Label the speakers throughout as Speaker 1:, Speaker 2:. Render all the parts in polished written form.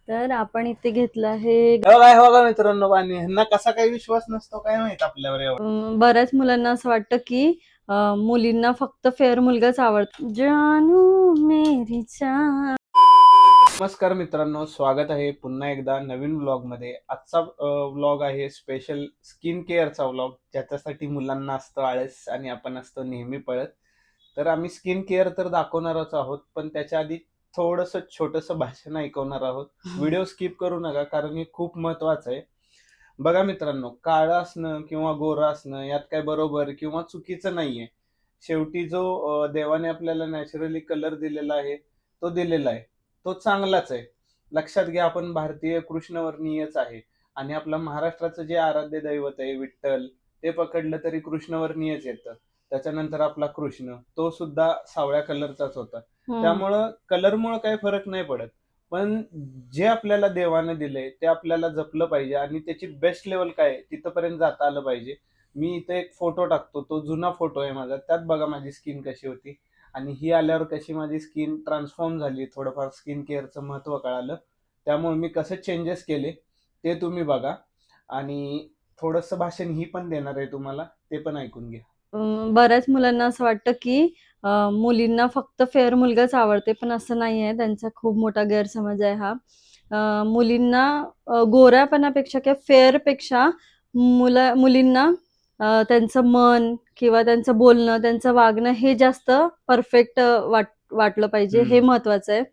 Speaker 1: तर आपण इथे घेतलं आहे.
Speaker 2: काय बघा मित्रांनो, पाणी ह्यांना कसा काही विश्वास नसतो काय माहित आपल्यावर एवढा.
Speaker 1: बऱ्याच मुलांना असं वाटतं की मुलींना फक्त फेअर मुलगाच आवडतो. जानू मेरी जान.
Speaker 2: नमस्कार मित्रांनो, स्वागत आहे पुन्हा एकदा नवीन व्लॉग मध्ये. आजचा व्लॉग आहे स्पेशल स्किन केअरचा व्लॉग, ज्याच्यासाठी मुलांना असतं आळस आणि आपण असतो नेहमी पळत. तर आम्ही स्किन केअर तर दाखवणारच आहोत, पण त्याच्या आधी थोडंसं छोटंसं भाषण ऐकवणार आहोत. व्हिडिओ स्किप करू नका, कारण हे खूप महत्वाचं आहे. बघा मित्रांनो, काळं असणं किंवा गोरं असणं यात काय बरोबर किंवा चुकीचं नाहीये. शेवटी जो देवाने आपल्याला नॅचरली कलर दिलेला आहे तो दिलेला आहे, तो चांगलाच आहे. लक्षात घ्या, आपण भारतीय कृष्णवर्णीयच आहे. आणि आपलं महाराष्ट्राचं जे आराध्य दैवत आहे विठ्ठल, ते पकडलं तरी कृष्णवर्णीयच येतं. त्याच्यानंतर आपला कृष्ण, तो सुद्धा सावळ्या कलरचाच होता. त्यामुळं कलरमुळं काही फरक नाही पडत. पण जे आपल्याला देवाने दिलंय ते आपल्याला जपलं पाहिजे आणि त्याची बेस्ट लेवल काय आहे तिथपर्यंत जाता आलं पाहिजे. मी इथे एक फोटो टाकतो, तो जुना फोटो आहे माझा. त्यात बघा माझी स्किन कशी होती आणि ही आल्यावर कशी माझी स्किन ट्रान्सफॉर्म झाली. थोडंफार स्किन केअरचं महत्त्व कळालं, त्यामुळे मी कसे चेंजेस केले ते तुम्ही बघा. आणि थोडंसं भाषण ही पण देणार आहे तुम्हाला, ते पण ऐकून घ्या.
Speaker 1: बऱ्याच मुलांना असं वाटतं की मुलींना फक्त फेअर मुलगाच आवडते, पण असं नाही आहे. त्यांचा खूप मोठा गैरसमज आहे हा. मुलींना गोऱ्यापणापेक्षा किंवा फेअरपेक्षा मुलींना त्यांचं मन किंवा त्यांचं बोलणं, त्यांचं वागणं हे जास्त परफेक्ट वाटलं पाहिजे, हे महत्वाचं आहे.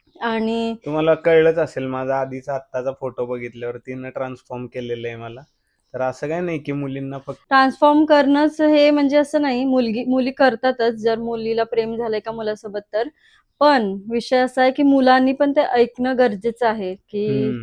Speaker 1: आणि
Speaker 2: तुम्हाला कळलंच असेल, माझा आधीचा आत्ताचा फोटो बघितल्यावर तिनं ट्रान्सफॉर्म केलेलं आहे मला. तर असं काय नाही की मुलींना फक्त
Speaker 1: ट्रान्सफॉर्म करणंच हे म्हणजे असं नाही, मुली करतातच जर मुलीला प्रेम झालंय का मुलासोबत तर. पण विषय असा आहे की मुलांनी पण ते ऐकणं गरजेचं आहे की,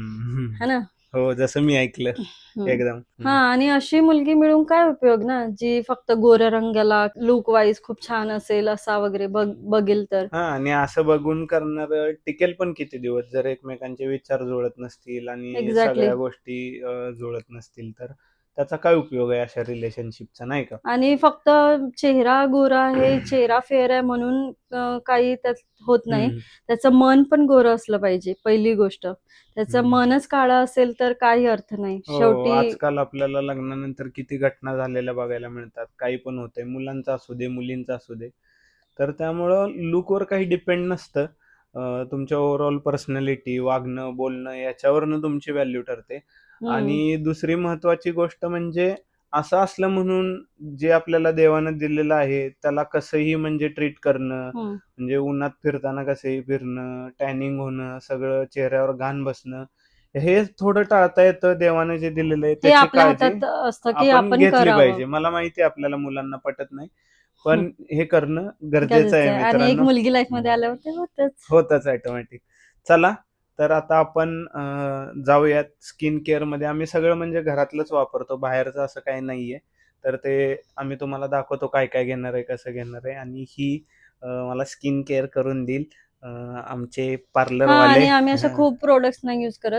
Speaker 1: है ना.
Speaker 2: हो, जसं मी ऐकलं एकदम.
Speaker 1: हा, आणि अशी मुलगी मिळून काय उपयोग ना, जी फक्त गोऱ्या रंगाला लुक वाईज खूप छान असेल असा वगैरे बघेल तर.
Speaker 2: हा, आणि असं बघून करणार टिकेल पण किती दिवस, जर एकमेकांचे विचार जुळत नसतील आणि
Speaker 1: एक्झॅक्टली.
Speaker 2: सगळ्या गोष्टी जुळत नसतील तर त्याचा काय उपयोग आहे अशा रिलेशनशिपचा, नाही का?
Speaker 1: आणि फक्त चेहरा गोरा आहे, चेहरा फेअर आहे म्हणून काही त्यात होत नाही. त्याचं मन पण गोरं असलं पाहिजे, पहिली गोष्ट. त्याचं मनच काळं असेल तर काही अर्थ नाही.
Speaker 2: हो,
Speaker 1: शेवटी
Speaker 2: आजकाल आपल्याला लग्नानंतर किती घटना झालेल्या बघायला मिळतात. काही पण होतंय, मुलांचं असू दे, मुलींचं असू दे. तर त्यामुळं लूकवर काही डिपेंड नसतं. तुमच्या ओव्हरऑल पर्सनॅलिटी, वागणं, बोलणं याच्यावरनं तुमची व्हॅल्यू ठरते. आणि दुसरी महत्त्वाची गोष्ट म्हणजे असं असलं म्हणून जे आपल्याला देवानं दिलेलं आहे त्याला कसंही म्हणजे ट्रीट करणं, म्हणजे उन्हात फिरताना कसंही फिरणं, टॅनिंग होणं, सगळं चेहऱ्यावर घाण बसणं, हे थोडं टाळता येतं. देवाने जे दिलेलं आहे
Speaker 1: हे
Speaker 2: त्याची
Speaker 1: आपल्या
Speaker 2: काळजी
Speaker 1: हातात असतं की
Speaker 2: आपण
Speaker 1: आपण
Speaker 2: घेतली
Speaker 1: करावं.
Speaker 2: पाहिजे. मला माहिती आहे आपल्याला मुलांना पटत नाही, पण हे करणं गरजेचं
Speaker 1: गरजेचं
Speaker 2: आहे
Speaker 1: आहे आणि एक
Speaker 2: मित्रांनो.
Speaker 1: मुलगी लाईफ मध्ये आल्यावर ते
Speaker 2: होतच ऑटोमॅटिक. चला, तर आता आपण जाऊयात स्किन केअरमध्ये. आम्ही सगळं म्हणजे घरातलंच वापरतो, बाहेरचं असं काही नाहीये. तर ते आम्ही तुम्हाला दाखवतो काय काय घेणार आहे, कसं घेणार आहे. आणि ही मला स्किन केअर करून देईल आमचे पार्लरवाले.
Speaker 1: आणि आम्ही अशा खूप प्रोडक्ट्स नाही युज करत.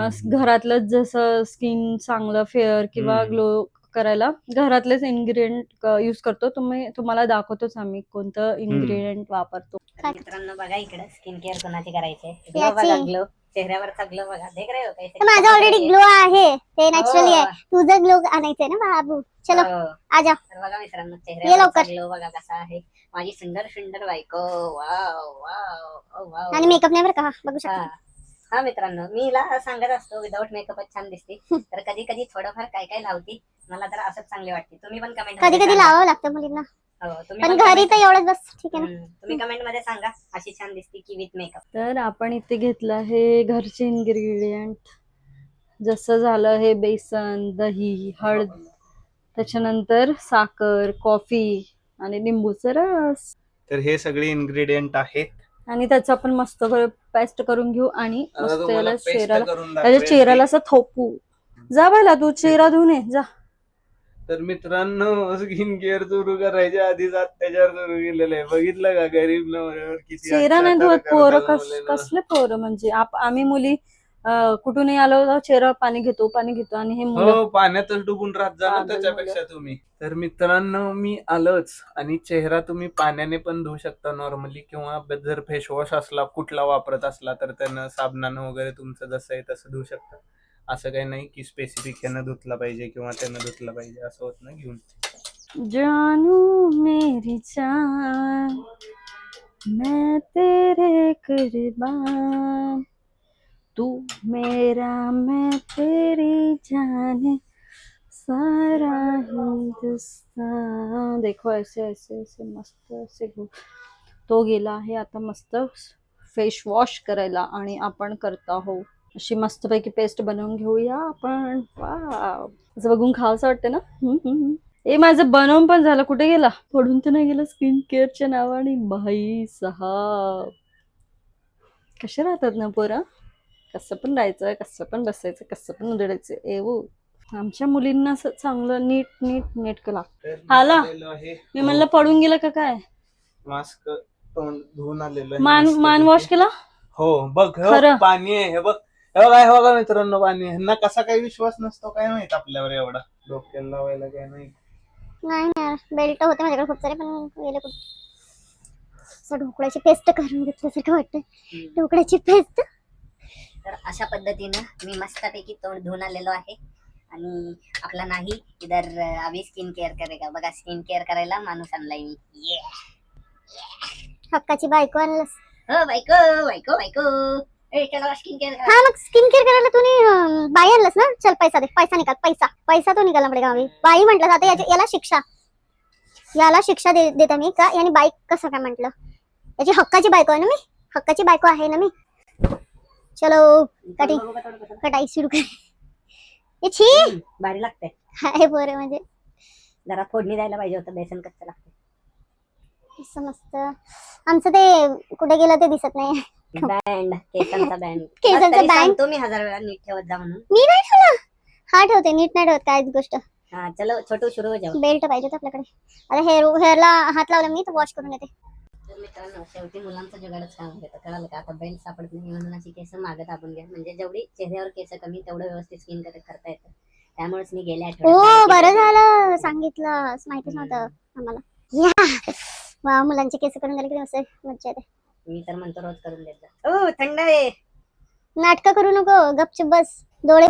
Speaker 1: घरातलंच जसं स्किन चांगलं फेअर किंवा ग्लो करायला घरातलेच इन्ग्रेडियंट युज करतो. तुम्हाला दाखवतोच आम्ही कोणतं इन्ग्रेडियंट वापरतो.
Speaker 3: मित्रांनो बघा, इकडे स्किन केअर कोणाची करायची, ग्लो बघा, ग्लो चेहऱ्यावरचा ग्लो बघा. देख रहे हो कैसे?
Speaker 4: माझा ऑलरेडी ग्लो आहे, ते नॅचरली आहे. तुझं ग्लो आणायचंय ना बाबू. चलो आ जा.
Speaker 3: तर बघा मित्रांनो, चेहऱ्यावरचा ग्लो बघा कसा आहे. माझी सुंदर सुंदर बायको. Wow wow wow.
Speaker 4: आणि मेकअप नाही बरं का, बघू शकता.
Speaker 3: हा मित्रांनो, मी हिला सांगत असतो विदाऊट मेकअपच छान दिसते. तर कधी कधी थोडंफार काय काय लावती, मला तर असंच चांगली वाटते. तुम्ही पण कमेंट
Speaker 4: कधी कधी लावावं लागतं मुलींना, पण घरी तर एवढंच बस, ठीक आहे ना.
Speaker 3: तुम्ही कमेंट मध्ये सांगा अशी छान दिसते की विथ मेकअप.
Speaker 1: तर आपण इथे घेतलं आहे घरचे इन्ग्रेडियंट. जसं झालं हे बेसन, दही, हळद, त्याच्यानंतर साखर, कॉफी आणि लिंबूचा रस.
Speaker 2: तर हे सगळे इन्ग्रेडियंट आहेत.
Speaker 1: आणि त्याचं आपण मस्त पेस्ट करून घेऊ आणि मस्त याला चेहऱ्याला,
Speaker 2: करून
Speaker 1: त्याच्या चेहऱ्याला असं थोपू. जा बायला, तू चेहरा धुवून ये जा.
Speaker 2: तर मित्रांनो, स्किन केअर सुरू करायच्या आधीच अत्याचार सुरू केलेला आहे. बघितलं का गरीब नवऱ्यावर किती
Speaker 1: चेहरा नाही
Speaker 2: अत्याचार
Speaker 1: धुवत पोरं,
Speaker 2: करतात मुलींवर.
Speaker 1: कसले पोरं म्हणजे आम्ही मुली कुठूनही आलो तर चेहऱ्यावर पाणी घेतो आणि हे मुलं
Speaker 2: हो, पाण्यातच डुबून राहत जा ना
Speaker 1: पागल
Speaker 2: त्याच्यापेक्षा तुम्ही. तर मित्रांनो मी आलोच, आणि चेहरा तुम्ही पाण्याने पण धुवू शकता नॉर्मली, किंवा जर फेसवॉश असला कुठला वापरत असला तर त्यानं साबणानं वगैरे तुमचं जसं आहे तसं धुवू शकता. असं काही नाही की स्पेसिफिक ह्यानं धुतला पाहिजे किंवा त्यानं धुतला पाहिजे, असं होत ना घेऊन.
Speaker 1: जानू मेरी जान मैं तेरे कुर्बान तू मेरा मैं तेरी जान सारा हिंदुस्तान देखो ऐसे ऐसे ऐसे मस्त असे तो गेला आहे आता मस्त फेस वॉश करायला आणि आपण करत आहोत अशी मस्तपैकी पेस्ट बनवून घेऊया आपण. वाव, असं बघून खावंसं वाटतं ना. ए माझं बनवून पण झालं. कुठे गेला? पडून तर नाही गेला स्किन केअरच्या नावाने. भाई साहब कसे राहतात ना पोरं, कसं पण राहायचं, कसं पण बसायचं, कसं पण उधळायचं. एवो आमच्या मुलींना असं चांगलं नीट नीट नेटकं लागतं.
Speaker 2: तर
Speaker 1: हाला
Speaker 2: आलेलो आहे.
Speaker 1: मी म्हणलं पडून गेलं का काय.
Speaker 2: मास्क तोंड धुवून आलेलो आहे
Speaker 1: मान
Speaker 2: मस्तपैकी.
Speaker 1: वॉश केला.
Speaker 2: हो बघ, हो,
Speaker 1: खरं?
Speaker 2: पाणी आहे हे बघ. हे बघा, हे बघा मित्रांनो, पाणी आहे. ह्यांना कसा काही विश्वास नसतो काय माहित आपल्यावर एवढा. डोक्याला लावायला काय नाही.
Speaker 4: नाही यार, बेल्ट होते माझ्याकडे खूप सारे पण गेले कुठे. असं ढोकळ्याची पेस्ट करून घेतल्यासारखं वाटतं. ढोकळ्याची पेस्ट.
Speaker 3: तर अशा पद्धतीनं मी मस्तपैकी तोंड धुवून आलेलो आहे. आणि आपला नाही इधर अभी स्किन केअर करेगा. बघा स्किन केअर करायला माणूस आणलाय मी.
Speaker 4: हक्काची बायको आणलंस.
Speaker 3: हो बायको बायको बायको. चला स्किन केअर
Speaker 4: हा मग स्किन केअर करायला तुम्ही बाई आणलंस ना. चल पैसा दे, पैसा निकाल, पैसा पैसा तो निकालना पडेगा. बाई म्हटलं आता याला शिक्षा देते मी का. याने बाई कसं काय म्हटलं. याची हक्काची बायको आहे ना मी. हक्काची बायको आहे ना मी. चलो कटाई सुरू कर. ये छी
Speaker 3: भारी लागतंय.
Speaker 4: हाय बरं म्हणजे
Speaker 3: जरा फोडणी द्यायला पाहिजे होतं. बेसन कच्चं लागतं.
Speaker 4: असं मस्त. आमचं ते कुठे गेलं ते दिसत नाही.
Speaker 3: बँड केसांचा बँड.
Speaker 4: केसांचा band?
Speaker 3: तुम्ही 1000 वेळा नीट ठेवत जा म्हणून.
Speaker 4: मी नाही ठेवला. हा ठेवते, नीट नाही ठेवत काय गोष्ट.
Speaker 3: हा चलो छोटू सुरू हो जाऊ.
Speaker 4: बेल्ट पाहिजे होता आपल्याकडे. आता हेअरला हात लावला मी तर वॉश करून येते.
Speaker 3: तर मित्रांनो शेवटी मुलांचं जगाडच काम होतं. कळालं का. आता बेल्ट सापडत नाही म्हणून अशी केस मागं दाबून घ्या. म्हणजे जेवढी चेहऱ्यावर केस कमी तेवढं व्यवस्थित स्किन करता येतं. त्यामुळेच मी गेल्या
Speaker 4: हो
Speaker 3: आठवड्यात
Speaker 4: बरं झालं सांगितलं. माहितीच नव्हतं आम्हाला. या वा, मुलांचे केस करून झाले की मस्त मज्जा येते.
Speaker 3: मी तर म्हणतो रोज करून देत जा. ओ थंड आहे.
Speaker 4: नाटकं करू नको, गपचूप बस. डोळे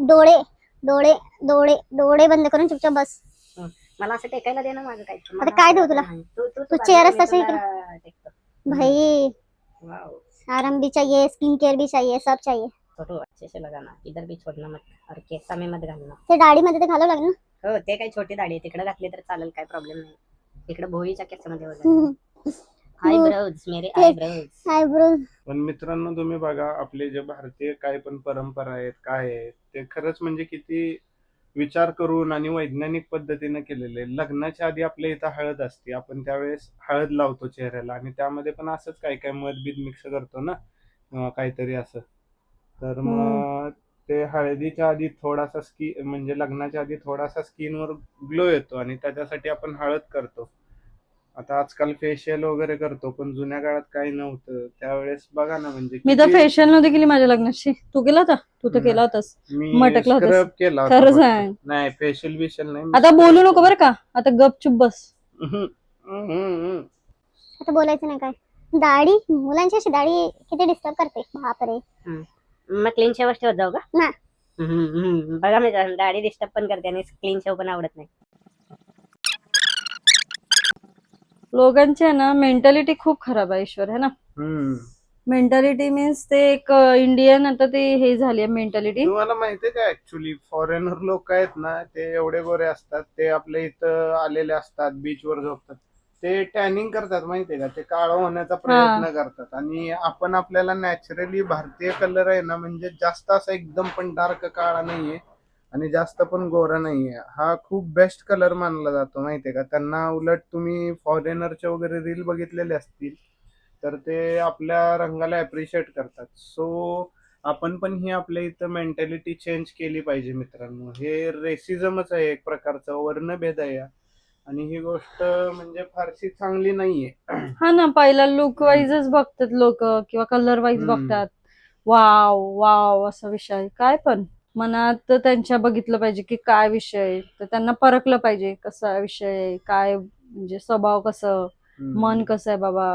Speaker 4: बंद करून चुपचाप बस.
Speaker 3: मला असं टेकायला दे ना माझं काही.
Speaker 4: आता काय देऊ तुला? तू चेहरा तसा
Speaker 3: टेकतो.
Speaker 4: भाई
Speaker 3: वाव.
Speaker 4: आराम भी चाहिए, स्किन केअर भी चाहिए, सब चाहिए.
Speaker 3: छोटू अच्छे से लगाना. इधर भी छोड़ना मत. और केसा में मत घालना.
Speaker 4: ते दाढीमध्ये ते घालावं लागेल ना.
Speaker 3: हो ते काही छोटी दाढी आहे. तिकडे घातली तर चालेल, काय प्रॉब्लेम नाही. इकडे भोळीच्या केसामध्ये वगैरे. आयब्रोज मेरे आयब्रोज.
Speaker 4: आयब्रो
Speaker 2: पण मित्रांनो तुम्ही बघा, आपले जे भारतीय काय पण परंपरा आहेत काय आहेत ते खरंच म्हणजे किती विचार करून आणि वैज्ञानिक पद्धतीने केलेले. लग्नाच्या आधी आपल्या इथं हळद असते, आपण त्यावेळेस हळद लावतो चेहऱ्याला, आणि त्यामध्ये पण असंच काय काय मध बीज मिक्स करतो ना काहीतरी असं. तर मग ते हळदीच्या आधी थोडासा म्हणजे लग्नाच्या आधी थोडासा स्किनवर ग्लो येतो, आणि त्याच्यासाठी आपण हळद करतो. आता आजकाल फेशियल वगैरे करतो, पण जुन्या काळात काही नव्हतं. त्यावेळेस बघा ना, म्हणजे
Speaker 1: मी तर
Speaker 2: किती-
Speaker 1: फेशियल नव्हती केली माझ्या लग्नाची. तू केला होता? तू तर केला होतास.
Speaker 2: मी
Speaker 1: मटकला होतास.
Speaker 2: स्क्रब केला होता
Speaker 1: खरं
Speaker 2: फक्त.
Speaker 1: सांग.
Speaker 2: नाही फेशियल बिशियल नाही.
Speaker 1: आता बोलू नको बरं का. आता गपचूप बस.
Speaker 4: आता बोलायचं नाही काय. दाढी मुलांची अशी दाढी किती डिस्टर्ब करते. बापरे.
Speaker 3: मग क्लीन शेवच ठेवत जाऊ का.
Speaker 4: ना.
Speaker 3: बघा मी दाढी डिस्टर्ब पण करते आणि क्लीन शेव पण आवडत नाही.
Speaker 1: लोकांची आहे ना मेंटॅलिटी खूप खराब आहे ईश्वर, है ना. मेंटॅलिटी मीन्स ते एक इंडियन आता ते हे झाली आहे मेंटॅलिटी.
Speaker 2: तुम्हाला माहितीये का, ऍक्च्युली फॉरेनर लोक आहेत ना, ते एवढे गोरे असतात, ते आपल्या इथं आलेले असतात, बीचवर झोपतात, ते टॅनिंग करतात माहितीये का, ते काळं होण्याचा प्रयत्न करतात. आणि आपण आपल्याला नॅचरली भारतीय कलर आहे ना, म्हणजे जास्त असा एकदम पण डार्क काळा नाहीये आणि जास्त पण गोरा नाहीये. हा खूप बेस्ट कलर मानला जातो माहितीये का. त्यांना उलट तुम्ही फॉरेनरचे वगैरे रील बघितलेले असतील तर ते आपल्या रंगाला अप्रिशिएट करतात. सो आपण पण ही आपल्या इथं मेंटॅलिटी चेंज केली पाहिजे मित्रांनो. हे रेसिझमच आहे एक प्रकारचा, वर्णभेद आहे आणि ही गोष्ट म्हणजे फारशी चांगली नाहीये.
Speaker 1: हा ना, पहिला लुक वाईजच बघतात लोक किंवा कलर वाईज बघतात. वाव वाव असा विषय काय पण मनात त्यांच्या बघितलं पाहिजे की काय विषय आहे, तर त्यांना परखलं पाहिजे कसा विषय आहे, काय म्हणजे स्वभाव कसं, मन कसं आहे बाबा.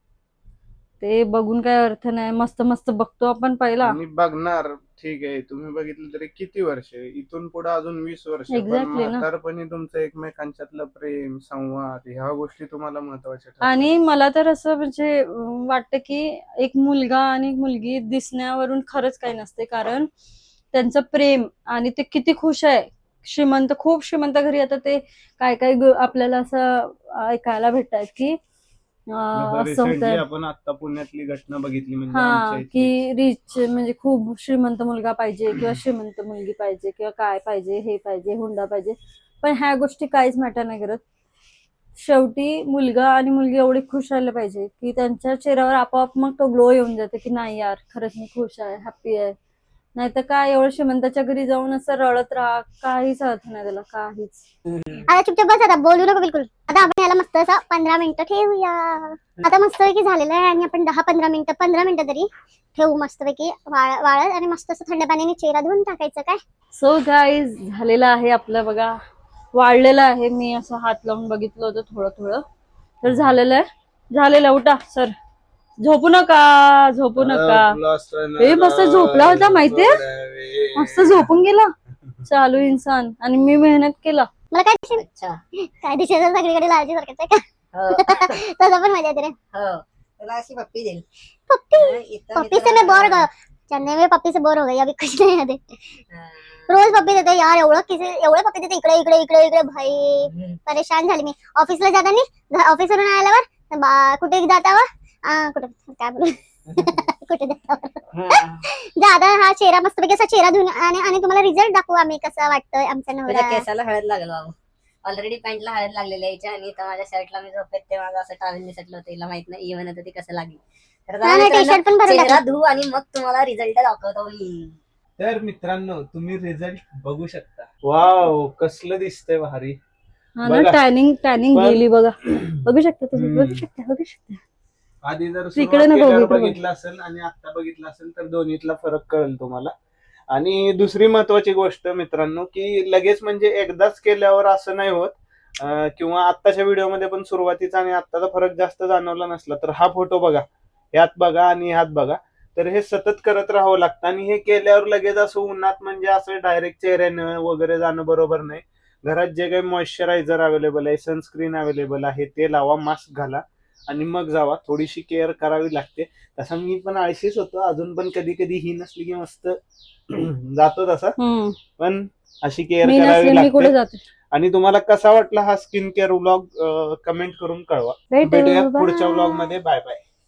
Speaker 1: ते बघून काय अर्थ नाही, मस्त मस्त बघतो आपण पहिला.
Speaker 2: आणि बघणार ठीक आहे, तुम्ही बघितलं तरी किती वर्ष, इथून पुढे अजून 20 वर्ष, पण
Speaker 1: Exactly ना.
Speaker 2: म्हातारपणी तुमचं एकमेकांच्यातलं प्रेम संवाद ह्या गोष्टी तुम्हाला महत्वाच्या ठरतात.
Speaker 1: आणि मला तर असं म्हणजे वाटतं की एक मुलगा आणि एक मुलगी दिसण्यावरून खरंच काही नसते, कारण त्यांचं प्रेम आणि ते किती खुश आहे. श्रीमंत, खूप श्रीमंत घरी आता ते काय काय आपल्याला असं ऐकायला भेटतात की असं
Speaker 2: Recently
Speaker 1: होतं
Speaker 2: आपण आता पुण्यातली घटना बघितली, म्हणजे आमच्या
Speaker 1: हा
Speaker 2: इथली.
Speaker 1: की रिच म्हणजे खूप श्रीमंत मुलगा पाहिजे किंवा श्रीमंत मुलगी पाहिजे किंवा काय पाहिजे, हे पाहिजे, हुंडा पाहिजे, पण ह्या गोष्टी काहीच मॅटर नाही करत. शेवटी मुलगा आणि मुलगी एवढी खुश राहिलं पाहिजे की त्यांच्या चेहऱ्यावर आपोआप मग तो ग्लो येऊन जाते की नाही यार खरंच मी खुश आहे, हॅप्पी आहे. नाहीतर काय एवढं श्रीमंताच्या घरी जाऊन असं रडत राहा, काहीच अर्थ नाही त्याला, काहीच.
Speaker 4: आता चुपचाप बस, आता बोलू नको बिलकुल. आता आपण याला मस्त असं 15 मिनिटं ठेवूया. आता मस्तपैकी झालेलं आहे आणि आपण 10-15 मिनिटं तरी ठेवू मस्तपैकी वाळत आणि मस्त असं थंड पाण्याने चेहरा धुवून टाकायचं काय.
Speaker 1: सो गाईज झालेलं आहे आपलं बघा, वाढलेलं आहे. मी असं हात लावून बघितलं होतं थोडं थोडं, तर झालेलं. उठा सर, झोपू नका, झोपू नका. हे मस्त झोपला होता माहितीये, मस्त झोपून गेला चालू इंसान, आणि मी मेहनत केला.
Speaker 4: मला काय दिसेल,
Speaker 3: अच्छा.
Speaker 4: काय दिसेल सगळीकडे लालची सारखंच आहे का.
Speaker 3: हो.
Speaker 4: तसं पण मजा येते रे.
Speaker 3: हो. तुला अशी पप्पी देईल.
Speaker 4: पप्पी से मैं बोर चन्नई में पप्पी से बोर हो गई, अभी कुछ नहीं है. रोज पप्पी देते यार, एवढे पप्पी देते, इकडे इकडे इकडे इकडे. भाई परेशान झाली मी. ऑफिसला जाताना, ऑफिसवरून आल्यावर कुठे जातावर कुठे काय बोलू कुठे जातावर दादा हा चेहरा मस्तपैकी असा चेहरा धुवून आणि तुम्हाला रिझल्ट दाखवू आम्ही कसा वाटतोय आमचा
Speaker 3: तुझ्या
Speaker 4: नवरा.
Speaker 3: केसाला हळद लागल बाबू. ऑलरेडी पॅन्टला हळद लागलेली आहे हिच्या, आणि इथं माझ्या शर्टला मी झोपेत ते माझं असं टावेल निसटलं होतं, हिला माहित नाही इव्हन होतं ते कसं लागेल. तर
Speaker 4: नाही,
Speaker 3: मित्रांनो,
Speaker 4: टी-शर्ट पण भरून
Speaker 3: चेहरा
Speaker 4: टाकला.
Speaker 3: धुवू आणि मग तुम्हाला रिझल्ट दाखवतो मी.
Speaker 2: तर मित्रांनो तुम्ही रिझल्ट बघू शकता. वाव कसलं दिसतंय भारी.
Speaker 1: हा ना,
Speaker 2: बघा.
Speaker 1: टॅनिंग
Speaker 2: पण-
Speaker 1: गेली बघा. बघू शकता तुम्ही,
Speaker 2: हम्म.
Speaker 1: बघू शकता.
Speaker 2: आधी जर
Speaker 1: तिकडे
Speaker 2: सुरुवात
Speaker 1: नको
Speaker 2: केल्यावर
Speaker 1: बघितलं
Speaker 2: बघितलं असेल आणि आता बघितलं असेल तर दोन्हीतला फरक कळेल तुम्हाला. आणि दुसरी महत्वाची गोष्ट मित्रांनो, की लगेच म्हणजे एकदाच केल्यावर असं नाही होत, किंवा आत्ताच्या व्हिडिओमध्ये पण सुरुवातीचा आणि आत्ताचा फरक जास्त जाणवला नसला तर हा फोटो बघा, ह्यात बघा आणि ह्यात बघा, तर हे सतत करत राहावं लागतं. आणि हे केल्यावर लगेच असं उन्हात म्हणजे असं डायरेक्ट चेहऱ्यानं वगैरे जाणं बरोबर नाही. घरात जे काही मॉइश्चरायझर अवेलेबल आहे, सनस्क्रीन अवेलेबल आहे ते लावा, मास्क घाला आणि मग जावा. थोडीशी केअर करावी लागते. तसा मी पण आळशीच होतो अजून, पण कधी कधी ही नसली की मस्त जातो तसा, पण अशी केअर
Speaker 1: मी
Speaker 2: करावी
Speaker 1: नसले मी कुठे
Speaker 2: लागते.
Speaker 1: जाते.
Speaker 2: आणि तुम्हाला कसा वाटला हा स्किन केअर व्लॉग कमेंट करून कळवा.
Speaker 1: भेटू,
Speaker 2: भेटूया
Speaker 1: bye.
Speaker 2: पुढच्या व्लॉग मध्ये. Bye bye.